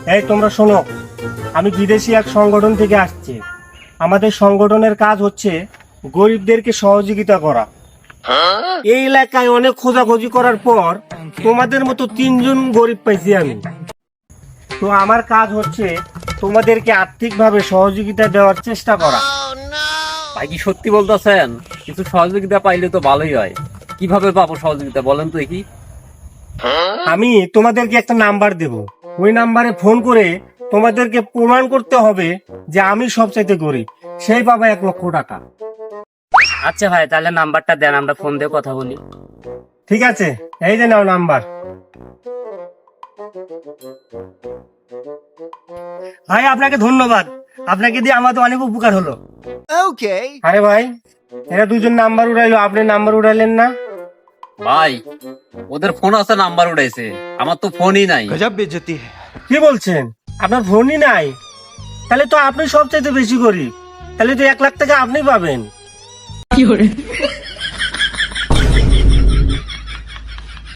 এই তোমরা শোনো, আমি বিদেশি এক সংগঠন থেকে আসছি। আমাদের সংগঠনের কাজ হচ্ছে গরিবদেরকে সহযোগিতা করা। এই এলাকায় অনেক খোঁজাখুঁজি করার পর তোমাদের মতো 3জন গরিব পাইছি আমি। তো আমার কাজ হচ্ছে তোমাদেরকে আর্থিকভাবে সহযোগিতা দেওয়ার চেষ্টা করা। ভাই কি সত্যি বলতেছেন? কিছু সহযোগিতা পাইলে তো ভালোই হয়। কিভাবে পাবো সহযোগিতা বলেন তো দেখি। আমি তোমাদেরকে একটা নাম্বার দেব, ওই নাম্বারে ফোন করে তোমাদেরকে প্রমাণ করতে হবে যে আমি সবচাইতে গরিব, সেই পাবে 1 লক্ষ টাকা। আচ্ছা ভাই, তাহলে নাম্বারটা দেন, আমরা ফোন দিয়ে কথা বলি। ঠিক আছে, এই যে নাও নাম্বার। ভাই আপনাকে ধন্যবাদ, আপনাকে দিয়ে আমাদের অনেক উপকার হলো। আরে ভাই, এরা 2জন নাম্বার উড়াইলো, আপনি নাম্বার উড়াইলেন না? ভাই ওদের ফোন আছে, নাম্বার উঠাইছে, আমার তো ফোনই নাই। কি বলছেন? আপনার ফোনই নাই? তাহলে তো আপনি সবচাইতে বেশি গরিব, তাহলে তো 1 লাখ টাকা আপনি পাবেন।